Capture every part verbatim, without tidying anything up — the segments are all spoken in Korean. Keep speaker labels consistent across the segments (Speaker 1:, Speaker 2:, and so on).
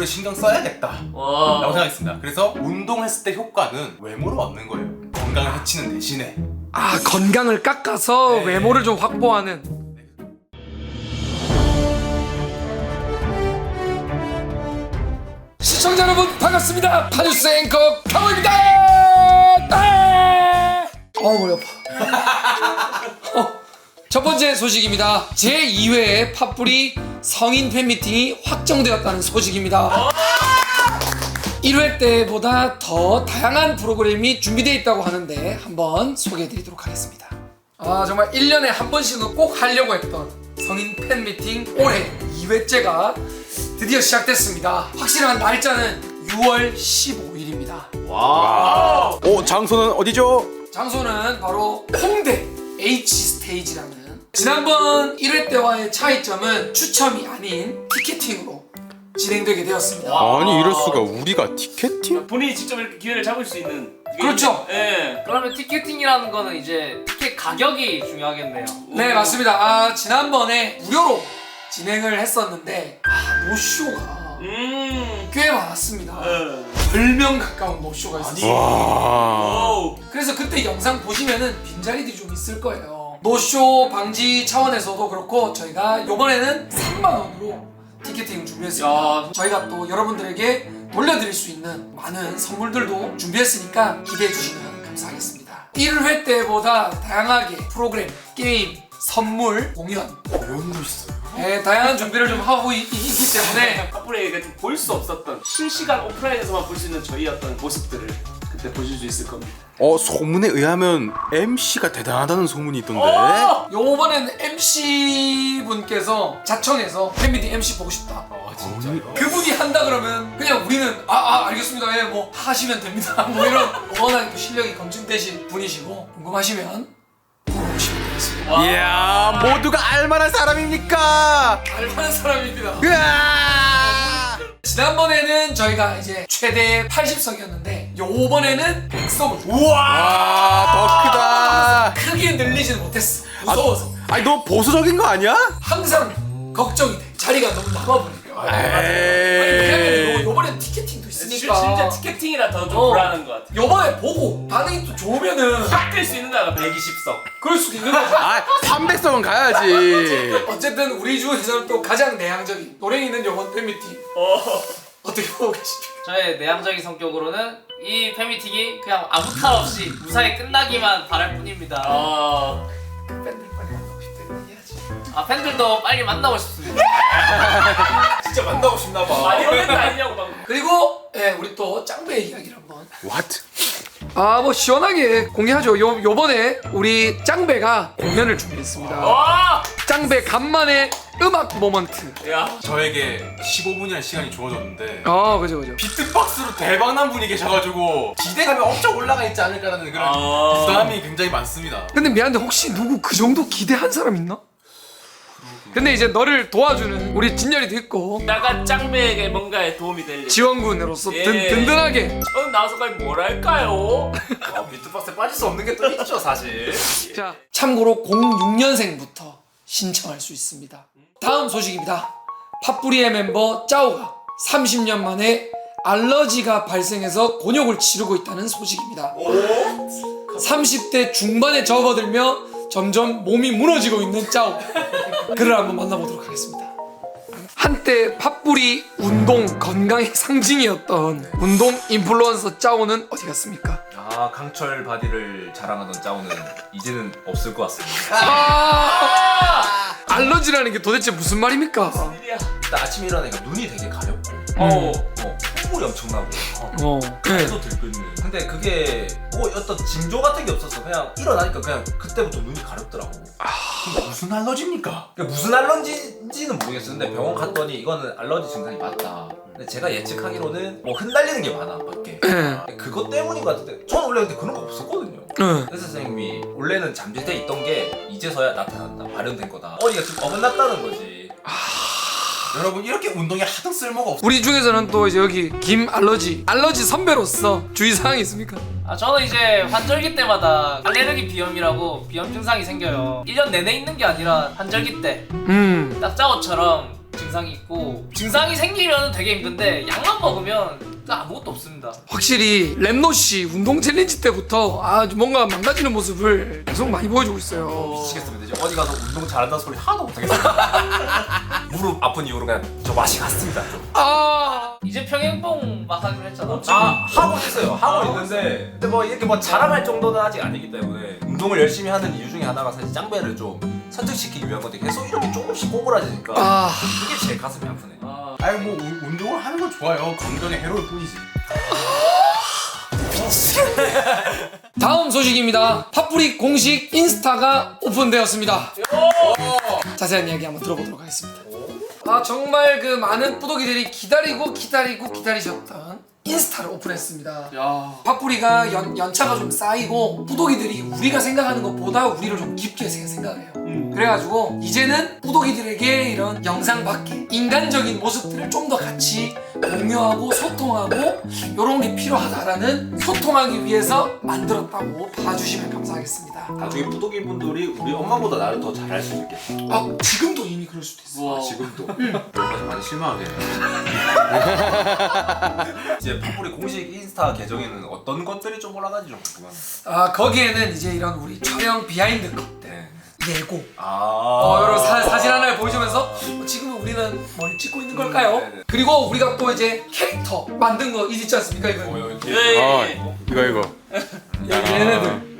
Speaker 1: 외모를 신경 써야겠다
Speaker 2: 와.
Speaker 1: 라고 생각했습니다. 그래서 운동했을 때 효과는 외모로 얻는 거예요. 건강을 해치는 대신에.
Speaker 3: 아, 건강을 깎아서
Speaker 1: 네.
Speaker 3: 외모를 좀 확보하는. 시청자 여러분 반갑습니다. 파주스 앵커 강호입니다. 아! 어 머리 아파. 어, 첫 번째 소식입니다. 제이 회 팥뿌리 성인 팬미팅이 확정되었다는 소식입니다. 일 회 때보다 더 다양한 프로그램이 준비되어 있다고 하는데 한번 소개해드리도록 하겠습니다. 아, 정말 일 년에 한 번씩은 꼭 하려고 했던 성인 팬미팅 올해 이 회째가 드디어 시작됐습니다. 확실한 날짜는 유월 십오일입니다.
Speaker 2: 와.
Speaker 1: 오, 장소는 어디죠?
Speaker 3: 장소는 바로 홍대 H 스테이지라는, 지난번 일 회 때와의 차이점은 추첨이 아닌 티켓팅으로 진행되게 되었습니다.
Speaker 1: 아니 이럴 수가. 우리가 티켓팅?
Speaker 2: 본인이 직접 이렇게 기회를 잡을 수 있는. 이게
Speaker 3: 그렇죠.
Speaker 2: 있는- 예.
Speaker 4: 그러면 티켓팅이라는 거는 이제 티켓 가격이 중요하겠네요.
Speaker 3: 네, 맞습니다. 아, 지난번에 무료로 진행을 했었는데 아, 노쇼가
Speaker 2: 음.
Speaker 3: 꽤 많았습니다.
Speaker 2: 예.
Speaker 3: 열 명 가까운 노쇼가 있었어요.
Speaker 1: 와.
Speaker 2: 오.
Speaker 3: 그래서 그때 영상 보시면은 빈자리들이 좀 있을 거예요. 노쇼 방지 차원에서도 그렇고 저희가 이번에는 삼만 원으로 티켓팅 준비했습니다.
Speaker 4: 야.
Speaker 3: 저희가 또 여러분들에게 돌려드릴 수 있는 많은 선물들도 준비했으니까 기대해 주시면 감사하겠습니다. 일 회 때보다 다양하게 프로그램, 게임, 선물, 공연,
Speaker 1: 이런 거 있어요.
Speaker 3: 네, 다양한 준비를 좀 하고 있, 기 때문에
Speaker 2: 팥뿌리가 좀 볼 수 없었던 실시간 오프라인에서만 볼 수 있는 저희 어떤 모습들을 그때 보실 수 있을 겁니다.
Speaker 1: 어, 소문에 의하면 엠씨가 대단하다는 소문이 있던데.
Speaker 2: 어!
Speaker 3: 요번에는 엠씨분께서 자청해서 팬미팅 엠씨 보고 싶다.
Speaker 1: 아, 진짜요?
Speaker 3: 그분이 한다 그러면 그냥 우리는 아, 아 알겠습니다. 예, 뭐 하시면 됩니다. 뭐 이런 워낙 또 실력이 검증되신 분이시고 궁금하시면 보러 오시면 되겠습니다.
Speaker 1: 이야, 모두가 알만한 사람입니까?
Speaker 3: 알만한 사람입니다.
Speaker 1: 으아!
Speaker 3: 지난번에는 저희가 이제 최대 팔십 석이었는데 요번에는 백 석을
Speaker 1: 와, 더 크다.
Speaker 3: 크게 늘리지는 못했어. 무서워서.
Speaker 1: 아니, 너 보수적인 거 아니야?
Speaker 3: 항상 걱정이 돼. 자리가 너무 남아버리면. 아니, 왜냐면 요- 요번엔 티켓팅도
Speaker 2: 실-
Speaker 3: 있으니까.
Speaker 2: 진짜 티켓팅이라 더 좀
Speaker 3: 어.
Speaker 2: 불안한 것 같아.
Speaker 3: 요번에 보고 반응이 또 좋으면은
Speaker 2: 확 뜰 수 있는 거야. 백이십 석.
Speaker 3: 그럴 수도 있는 거죠.
Speaker 1: 아, 삼백 석은 가야지.
Speaker 3: 어쨌든 우리 중에서는 또 가장 내향적인 노랭이는 요번 팬미팅
Speaker 2: 어.
Speaker 3: 어떻게 보고 계십니까?
Speaker 4: 저의 내향적인 성격으로는 이 팬미팅이 그냥 아무 탈 없이 무사히 끝나기만 바랄 뿐입니다.
Speaker 2: 어.
Speaker 3: 팬들 빨리 만나고 싶다는 얘기하지.
Speaker 4: 아, 팬들도 빨리 만나고 싶습니다.
Speaker 1: 진짜 만나고 싶나 봐.
Speaker 2: 아, 이런 멘트 아니냐고 방금.
Speaker 3: 그리고 예, 우리 또 짱배 이야기를 한번.
Speaker 1: What?
Speaker 3: 아, 뭐 시원하게 공개하죠. 요 요번에 우리 짱배가 공연을 준비했습니다.
Speaker 2: 와!
Speaker 3: 짱배 간만에 음악 모먼트.
Speaker 2: 야.
Speaker 1: 저에게 십오 분이라는 시간이 주어졌는데
Speaker 3: 어, 그죠, 그죠.
Speaker 1: 비트박스로 대박난 분이 계셔가지고 기대감이 엄청 올라가 있지 않을까라는 그런
Speaker 2: 아.
Speaker 1: 부담이 굉장히 많습니다.
Speaker 3: 근데 미안한데 혹시 누구 그 정도 기대한 사람 있나? 근데 이제 너를 도와주는 우리 진열이도 있고
Speaker 2: 나가 짱배에게 뭔가에 도움이 될 일.
Speaker 3: 지원군으로서
Speaker 2: 예.
Speaker 3: 든, 든든하게.
Speaker 2: 저는 나와서 과연 뭘 할까요?
Speaker 1: 아, 비트박스에 빠질 수 없는 게 또 있죠, 사실.
Speaker 3: 자, 참고로 공육 년생부터 신청할 수 있습니다. 다음 소식입니다. 팥뿌리의 멤버 짜오가 삼십 년 만에 알러지가 발생해서 곤욕을 치르고 있다는 소식입니다. 삼십 대 중반에 접어들며 점점 몸이 무너지고 있는 짜오. 그를 한번 만나보도록 하겠습니다. 한때 팥뿌리 운동 건강의 상징이었던 운동 인플루언서 짜오는 어디 갔습니까?
Speaker 5: 아, 강철 바디를 자랑하던 짜오는 이제는 없을 것 같습니다.
Speaker 3: 아! 알러지라는 게 도대체 무슨 말입니까?
Speaker 2: 일이야.
Speaker 5: 일단 아침에 일어나니까 눈이 되게 가렵고
Speaker 2: 어.
Speaker 5: 어, 콧물이 엄청나고 어,
Speaker 3: 어,
Speaker 5: 배도 들끓는. 근데 그게 뭐 어떤 징조 같은 게 없어서 그냥 일어나니까 그냥 그때부터 눈이 가렵더라고.
Speaker 1: 근데 무슨 알러지입니까?
Speaker 5: 그게 무슨 알러지인지는 모르겠어. 근데 병원 갔더니 이거는 알러지 증상이 맞다. 근데 제가 예측하기로는 뭐 흩날리는 게 많아 밖에.
Speaker 3: 네.
Speaker 5: 그것 때문인 것 같은데 저는 원래 근데 그런 거 없었거든요.
Speaker 3: 응.
Speaker 5: 의사 선생님이 원래는 잠재돼 있던 게 이제서야 나타난다. 발현된 거다. 어디가 좀 어긋났다는 거지.
Speaker 1: 여러분, 이렇게 운동에 하등 쓸모가 없어.
Speaker 3: 우리 중에서는 또 이제 여기 김 알러지 알러지 선배로서 주의사항이 있습니까?
Speaker 4: 아, 저는 이제 환절기 때마다 알레르기 비염이라고 비염 증상이 생겨요. 일 년 내내 있는 게 아니라 환절기 때
Speaker 3: 음.
Speaker 4: 딱 짜오처럼 증상이 있고 증상이 생기면 되게 힘든데 약만 먹으면 아무것도 없습니다.
Speaker 3: 확실히 랩노씨 운동 챌린지 때부터 아 뭔가 망가지는 모습을 계속 많이 보여주고 있어요.
Speaker 5: 미치겠습니다. 이제 어디 가서 운동 잘한다 소리 하나도 못하겠어요. 무릎 아픈 이후로 그냥 저 맛이 갔습니다.
Speaker 3: 아
Speaker 4: 이제 평행봉 막 하기로 했잖아.
Speaker 5: 아 하고 있어요. 하고 있는데 근데 뭐 이렇게 뭐 자랑할 정도는 아직 아니기 때문에 운동을 열심히 하는 이유 중에 하나가 사실 짱배를 좀 선택시키기 위한 건데 계속 이렇게 조금씩 꼬부라지니까
Speaker 3: 아.
Speaker 5: 그게 제일 가슴이 아프네.
Speaker 4: 아,
Speaker 1: 아니 뭐 우- 운동을 하는 건 좋아요. 건강에 해로울 뿐이지.
Speaker 3: 다음 소식입니다. 팥뿌리 공식 인스타가 오픈되었습니다. 자세한 이야기 한번 들어보도록 하겠습니다. 아 정말 그 많은 뿌독이들이 기다리고 기다리고 기다리셨던 인스타를 오픈했습니다.
Speaker 4: 야.
Speaker 3: 팥뿌리가 연, 연차가 좀 쌓이고 뿌독이들이 우리가 생각하는 것보다 우리를 좀 깊게 생- 생각해요. 그래가지고 이제는 뿌독이들에게 이런 영상 밖에 인간적인 모습들을 좀 더 같이 공유하고 소통하고 이런 게 필요하다라는 소통하기 위해서 만들었다고 봐주시면 감사하겠습니다.
Speaker 5: 나중에 뿌독이 분들이 우리 엄마보다 나를 더 잘할 수도 있겠다.
Speaker 3: 아 지금도 이미 그럴 수도 있어.
Speaker 4: 우와.
Speaker 5: 지금도. 여기까지 많이 실망하게. 이제 팥뿌리 공식 인스타 계정에는 어떤 것들이 좀 올라가는지 좀 궁금합니다.
Speaker 3: 아 거기에는 이제 이런 우리 촬영 비하인드 컷
Speaker 5: 네.
Speaker 3: 예고
Speaker 5: 아.
Speaker 3: 어, 여러 사, 사진 하나를 보여주면서 어, 지금은 우리는 뭘 찍고 있는 걸까요?
Speaker 5: 음, 네네.
Speaker 3: 그리고 우리가 또 이제 캐릭터 만든 거 있지 않습니까? 이거
Speaker 5: 어, 여기
Speaker 4: 예.
Speaker 1: 아 이거 이거.
Speaker 3: 여기 얘네들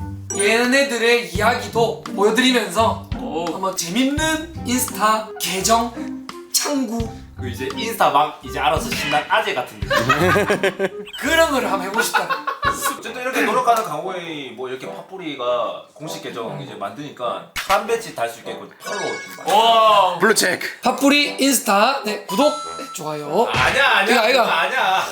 Speaker 3: 얘네들의 이야기도 보여드리면서
Speaker 4: 오.
Speaker 3: 한번 재밌는 인스타 계정 창구
Speaker 5: 그 이제 인스타 막 이제 알아서 신난 아재 같은 느낌.
Speaker 3: 그런 거를 한번 해보고 싶다.
Speaker 5: 어쨌든 이렇게 노력하는 강호이 뭐 이렇게 팥뿌리가 공식 계정 이제 만드니까 한 배치 달 수 있게끔 팔로우 좀 많이.
Speaker 4: 와.
Speaker 1: 블루 체크.
Speaker 3: 팥뿌리 인스타 네 구독 네, 좋아요
Speaker 5: 아니야
Speaker 3: 이거, 이거.
Speaker 5: 아니야.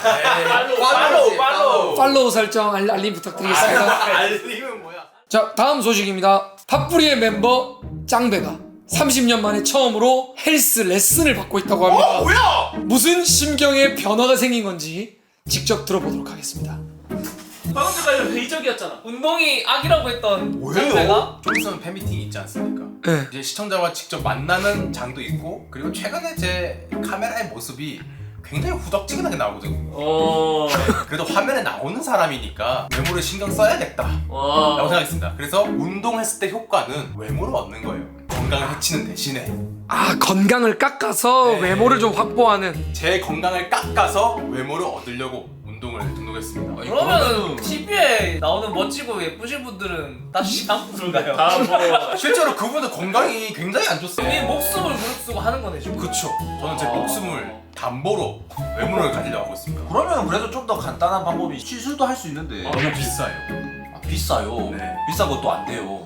Speaker 4: 팔로우,
Speaker 5: 팔로우.
Speaker 3: 팔로우 설정 알, 알림 부탁드리겠습니다.
Speaker 5: 알림은 뭐야?
Speaker 3: 자 다음 소식입니다. 팥뿌리의 멤버 짱배가 삼십 년 만에 처음으로 헬스 레슨을 받고 있다고 합니다.
Speaker 5: 어 뭐야?
Speaker 3: 무슨 심경의 변화가 생긴 건지 직접 들어보도록 하겠습니다.
Speaker 2: 방금 전까지 회의적이었잖아.
Speaker 4: 운동이 악이라고 했던
Speaker 5: 왜요?
Speaker 4: 짱배가
Speaker 1: 좀 있으면 팬미팅이 있지 않습니까?
Speaker 3: 네.
Speaker 1: 이제 시청자와 직접 만나는 장도 있고 그리고 최근에 제 카메라의 모습이 굉장히 후덕지근하게 나오거든요.
Speaker 2: 어.
Speaker 1: 그래도 화면에 나오는 사람이니까 외모를 신경 써야겠다 라고
Speaker 2: 와.
Speaker 1: 생각했습니다. 그래서 운동했을 때 효과는 외모를 얻는 거예요. 건강을 해치는 대신에
Speaker 3: 아 건강을 깎아서
Speaker 1: 네.
Speaker 3: 외모를 좀 확보하는.
Speaker 1: 제 건강을 깎아서 외모를 얻으려고 운동을 등록했습니다.
Speaker 4: 그러면 티비에 나오는 멋지고 예쁘신 분들은 다 시한 분들가요?
Speaker 2: 다 뭐.
Speaker 1: 실제로 그분들 건강이 굉장히 안
Speaker 4: 우리
Speaker 1: 좋습니다.
Speaker 4: 목숨을 무릅쓰고 하는 거네 지금.
Speaker 1: 그쵸. 저는 제 목숨을 담보로 외모를 가지려고 하고 있습니다.
Speaker 5: 그러면 그래도 좀 더 간단한 방법이 시술도 할 수 있는데
Speaker 1: 너무 비싸요.
Speaker 5: 아, 비싸요.
Speaker 1: 네.
Speaker 5: 비싼 것도 안 돼요.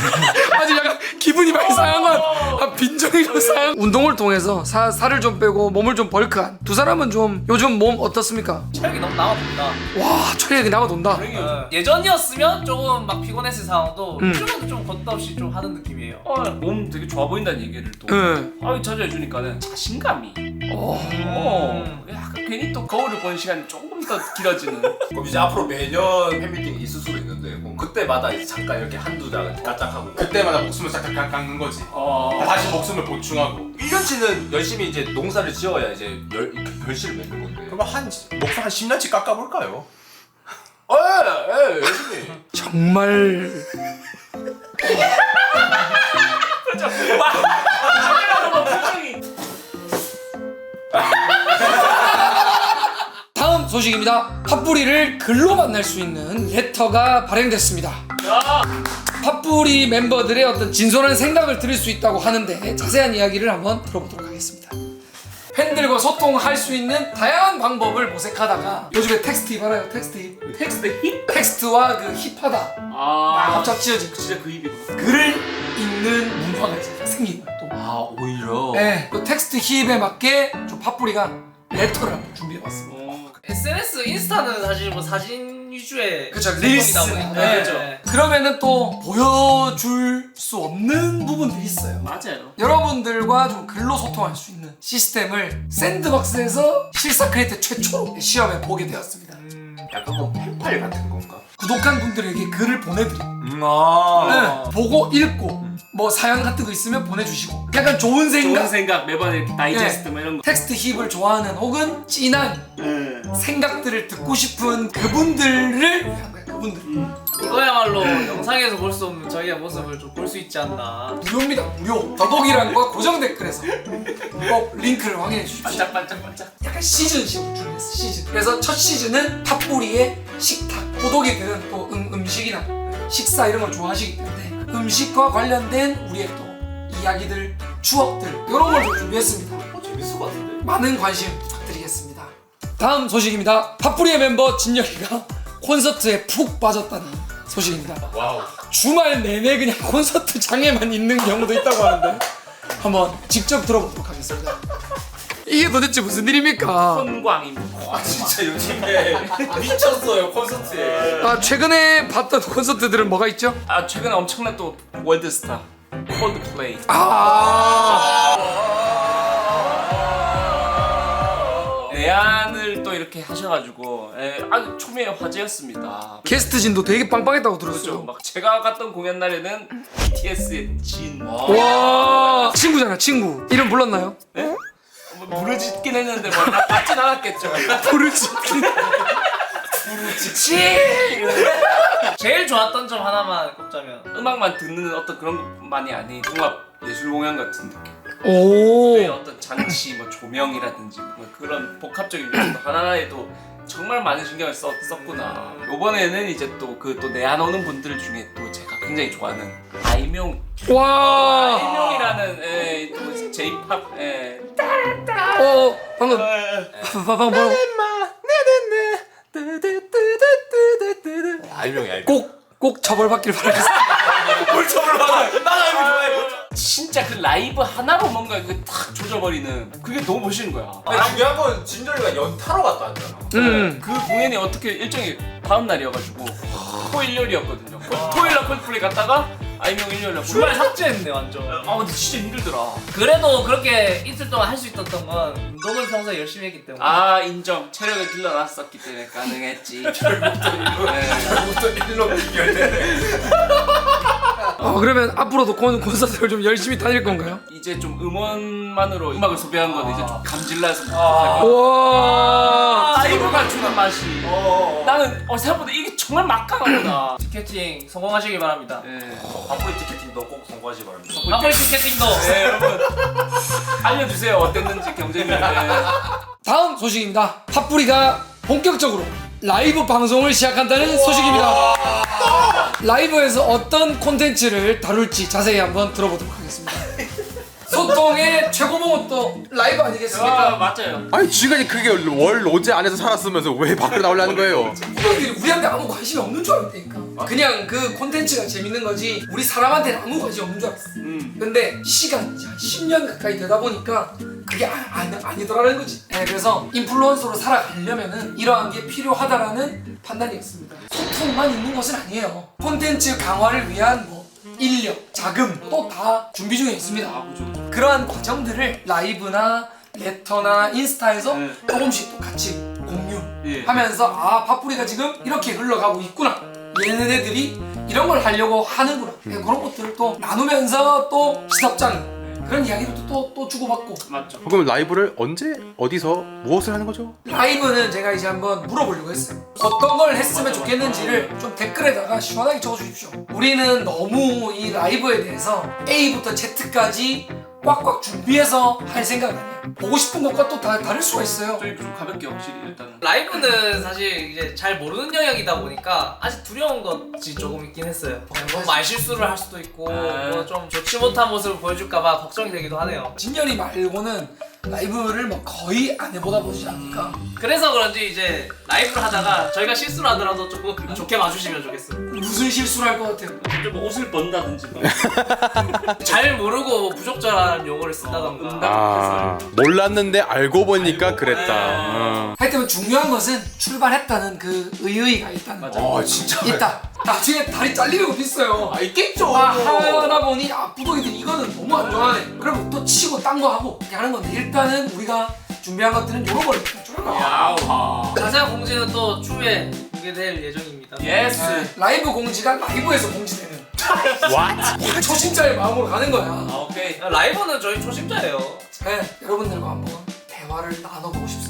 Speaker 3: 아주 약간 기분이 많이 상한 건 아, 빈정이 좀 상한. 운동을 통해서 사, 살을 좀 빼고 몸을 좀 벌크한 두 사람은 좀 요즘 몸 어떻습니까?
Speaker 4: 체력이 너무 남아돈다.
Speaker 3: 와 체력이 나가돈다.
Speaker 4: 어, 예전이었으면 조금 막 피곤했을 상황도
Speaker 3: 음.
Speaker 4: 요즘은 좀 걷다 없이 좀 하는 느낌이에요.
Speaker 2: 어, 몸 되게 좋아 보인다는 얘기를 또.
Speaker 3: 응.
Speaker 2: 아유 자주 해주니까는 자신감이.
Speaker 3: 어.
Speaker 2: 어. 약간 괜히 또 거울을 보는 시간이 조금 더 길어지는.
Speaker 5: 그럼 이제 앞으로 매년 팬미팅이 있을 수도 있는데 뭐 그때마다 이제 잠깐 이렇게 한두 장 까짝하고
Speaker 1: 그때마다 목숨을 싹싹 깎는 거지.
Speaker 2: 어.
Speaker 1: 다시 목숨을 보충하고.
Speaker 5: 일 년치는 열심히 이제 농사를 지어야 이제 열, 이렇게 결실을 맺는 건데.
Speaker 1: 그럼 한 목숨 한 십 년치 깎아볼까요?
Speaker 5: 예, 예, 열심히.
Speaker 3: 정말
Speaker 2: 카메라로 뭐 표정이.
Speaker 3: 다음 소식입니다. 팥뿌리를 글로 만날 수 있는 레터가 발행됐습니다.
Speaker 2: 야.
Speaker 3: 팥뿌리 멤버들의 어떤 진솔한 생각을 들을 수 있다고 하는데 자세한 이야기를 한번 들어보도록 하겠습니다. 팬들과 소통할 수 있는 다양한 방법을 모색하다가 요즘에 텍스트 힙 알아요? 텍스트 힙?
Speaker 2: 텍스트 힙?
Speaker 3: 텍스트와 그 힙하다
Speaker 2: 아.
Speaker 3: 합작 지어진 거.
Speaker 2: 진짜 그 힙이구나.
Speaker 3: 글을 읽는 문화가 이제 생긴 거예요. 또.
Speaker 5: 아 오히려.
Speaker 3: 네, 그 텍스트 힙에 맞게 좀 팥뿌리가 레터를 한번 준비해봤습니다.
Speaker 2: 어.
Speaker 4: 에스엔에스 인스타는 사실 뭐 사진 위주의
Speaker 3: 그쵸,
Speaker 4: 소통이다
Speaker 3: 릴스.
Speaker 4: 보니까.
Speaker 3: 네,
Speaker 4: 그죠.
Speaker 3: 그러면은 또 보여줄 수 없는 부분들이 있어요.
Speaker 2: 맞아요.
Speaker 3: 여러분들과 좀 글로 소통할 수 있는 시스템을 샌드박스에서 실사 크리에이터 최초로 시험에 보게 되었습니다.
Speaker 5: 약간 뭐 펜팔 같은 건가?
Speaker 3: 구독한 분들에게 글을 보내드립니다.
Speaker 5: 음, 아.
Speaker 3: 네, 보고 읽고 뭐 사연 같은 거 있으면 보내주시고 약간 좋은 생각,
Speaker 2: 좋은 생각 매번 이렇게 다이제스트 뭐 이런 거.
Speaker 3: 텍스트 힙을 좋아하는 혹은 진한
Speaker 2: 네.
Speaker 3: 생각들을 듣고 싶은 그분들을 위한 거야. 그분들.
Speaker 4: 이거야말로 영상에서 볼 수 없는 저희의 모습을 좀 볼 수 있지 않나.
Speaker 3: 무료입니다. 무료. 더보기란과 고정 댓글에서 꼭 링크를 확인해 주십시오.
Speaker 2: 반짝반짝반짝.
Speaker 3: 약간 시즌식으로 준비했어. 시즌. 그래서 첫 시즌은 탑뿌리의 식탁. 고독이들은 또 음, 음식이나 식사 이런 걸 좋아하시기 때문에 음식과 관련된 우리의 또 이야기들, 추억들 이런 걸 좀 준비했습니다.
Speaker 5: 어, 재밌을 것 같은데.
Speaker 3: 많은 관심 부탁드리겠습니다. 다음 소식입니다. 팝뿌리의 멤버 진열이가 콘서트에 푹 빠졌다는 소식입니다.
Speaker 5: 와우.
Speaker 3: 주말 내내 그냥 콘서트 장에만 있는 경우도 있다고 하는데 한번 직접 들어보도록 하겠습니다. 이게 도대체 무슨 일입니까?
Speaker 2: 손광입니다.
Speaker 5: 아 진짜 요즘에 미쳤어요 콘서트에.
Speaker 3: 아, 최근에 봤던 콘서트들은 뭐가 있죠?
Speaker 2: 아 최근에 엄청난 또 월드스타 콜드플레이.
Speaker 3: 아,
Speaker 2: 내한을 또 이렇게 하셔가지고 예, 아주 초미의 화제였습니다.
Speaker 3: 게스트진도 되게 빵빵했다고
Speaker 2: 그렇죠.
Speaker 3: 들었어요.
Speaker 2: 막 제가 갔던 공연 날에는 비티에스의 진.
Speaker 3: 와, 친구잖아, 친구. 이름 불렀나요?
Speaker 2: 네? 뭐 부르짖긴 했는데 뭐 나 받진 않았겠죠.
Speaker 3: 부르짖긴.
Speaker 4: 제일 좋았던 점 하나만 꼽자면
Speaker 2: 음악만 듣는 어떤 그런 것만이 아닌 종합 예술 공연 같은 느낌.
Speaker 3: 오.
Speaker 2: 네, 어떤 장치, 뭐 조명이라든지 뭐 그런 복합적인 요소도 하나하나에도 정말 많은 신경을 썼, 썼구나. 이번에는 이제 또 그 또 내한 오는 분들 중에 또 제가 굉장히 좋아하는 아이명.
Speaker 3: 와.
Speaker 2: 아이명이라는 예, 또 제이팝. 예.
Speaker 3: 어, 방금
Speaker 2: 예.
Speaker 3: 방금 뭐라고?
Speaker 5: 알명이 알명.
Speaker 3: 꼭꼭 처벌받길 바라겠습니다.
Speaker 5: 뭘 처벌 받아? 나 알명 좋아해.
Speaker 2: 진짜 그 라이브 하나로 뭔가 그 탁 조져버리는 그게 너무 멋있는 거야.
Speaker 5: 근데 중요한 건 진절이가 연타로 갔다 왔잖아.
Speaker 3: 음.
Speaker 2: 그 공연이 어떻게 일정이 다음 날이어가지고 토일 요일이었거든요. 토일 날 콜플레이 갔다가 아이명 일요일 날
Speaker 4: 주말 삭제했네 완전.
Speaker 2: 아 근데 진짜 힘들더라.
Speaker 4: 그래도 그렇게 이틀 동안 할 수 있었던 건 운동을 평소에 열심히 했기 때문에.
Speaker 2: 아 인정. 체력을 길러놨었기 때문에 가능했지.
Speaker 5: 결국부터 일로 연결되네.
Speaker 3: 어, 그러면 앞으로도 콘, 콘서트를 좀 열심히 다닐 건가요?
Speaker 2: 이제 좀 음원만으로 음악을 소비한 건 이제 좀 감질나서
Speaker 5: 아.
Speaker 3: 와.
Speaker 2: 라이브가 주는 맛이.
Speaker 5: 어.
Speaker 2: 나는 어, 생각보다 이게 정말 막강하구나.
Speaker 4: 티켓팅 성공하시길 바랍니다.
Speaker 2: 예.
Speaker 5: 바쁘리 티켓팅도 꼭 성공하시 바랍니다.
Speaker 4: 팝뿌리 티켓팅도
Speaker 2: 네 여러분 알려주세요 어땠는지 경쟁률. 네.
Speaker 3: 다음 소식입니다. 팝뿌리가 본격적으로 라이브 방송을 시작한다는 소식입니다. 라이브에서 어떤 콘텐츠를 다룰지 자세히 한번 들어보도록 하겠습니다. 소통의 최고봉은 또 라이브
Speaker 2: 아
Speaker 3: 아니겠습니까?
Speaker 2: 맞아요.
Speaker 6: 아니 지금까지 그게 월 로제 안에서 살았으면서 왜 밖으로 나오려는 거예요?
Speaker 3: 후배들이 우리한테 아무 관심이 없는 줄 알았다니까. 그냥 그 콘텐츠가 재밌는 거지 우리 사람한테는 아무 관심 없는 줄 알았어.
Speaker 2: 음.
Speaker 3: 근데 시간이 이제 한 십 년 가까이 되다 보니까 그게 아, 아니, 아니더라는 거지. 네, 그래서 인플루언서로 살아가려면은 이러한 게 필요하다라는 판단이었습니다. 소통만 있는 것은 아니에요. 콘텐츠 강화를 위한 뭐 인력, 자금 또 다 준비 중에 있습니다.
Speaker 2: 아 그죠.
Speaker 3: 그러한 과정들을 라이브나 레터나 인스타에서
Speaker 2: 네.
Speaker 3: 조금씩 또 같이 공유
Speaker 2: 예.
Speaker 3: 하면서 아 팝뿌리가 지금 이렇게 흘러가고 있구나, 얘네들이 이런 걸 하려고 하는구나, 네, 그런 것들을 또 나누면서 또 시덥잖은 그런 이야기도 또, 또 주고받고.
Speaker 2: 맞죠.
Speaker 6: 그럼 라이브를 언제 어디서 무엇을 하는 거죠?
Speaker 3: 라이브는 제가 이제 한번 물어보려고 했어요. 어떤 걸 했으면 좋겠는지를 좀 댓글에다가 시원하게 적어주십시오. 우리는 너무 이 라이브에 대해서 A부터 Z까지 꽉꽉 준비해서 할 생각 아니야. 보고 싶은 것과 또 다 다를 수가 있어요.
Speaker 2: 저희 좀 가볍게 확실히 일단은.
Speaker 4: 라이브는 사실 이제 잘 모르는 영역이다 보니까 아직 두려운 것이 조금 있긴 했어요. 뭐 말실수를 할 수도 있고
Speaker 2: 아.
Speaker 4: 뭐 좀 좋지 못한 모습을 보여줄까봐 걱정이 되기도 하네요.
Speaker 3: 진열이 말고는 라이브를 뭐 거의 안 해보다 보지 않을까.
Speaker 4: 그래서 그런지 이제 라이브를 하다가 저희가 실수를 하더라도 조금 좋게 봐주시면 좋겠습니다.
Speaker 3: 무슨 실수를 할 것 같아요?
Speaker 2: 좀 옷을 번다든지 뭐.
Speaker 4: 잘 모르고 부적절한 용어를 쓴다던가.
Speaker 6: 아 몰랐는데 알고 보니까 그랬다. 어.
Speaker 3: 하여튼 중요한 것은 출발했다는 그 의의가 있다는
Speaker 2: 맞아.
Speaker 3: 거.
Speaker 5: 아 진짜.
Speaker 3: 있다. 나중에 다리 잘리는 것도 있어요.
Speaker 5: 아 있겠죠.
Speaker 3: 아, 하다 보니 아 부동이들 이거는 너무 안 좋아하네. 그럼 또 치고 딴 거 하고 이렇게 하는 건데 일단은 우리가 준비한 것들은 요런 걸 좀.
Speaker 2: 야우.
Speaker 4: 자세한 공지는 또 추후에 공개될 예정입니다.
Speaker 2: 예스.
Speaker 3: 네, 라이브 공지가 라이브에서 공지되는
Speaker 6: What?
Speaker 3: 초심자의 마음으로 가는 거야.
Speaker 2: 아, 오케이.
Speaker 4: 라이브는 저희 초심자예요.
Speaker 3: 네, 여러분들과 한번 대화를 나눠보고 싶습니다.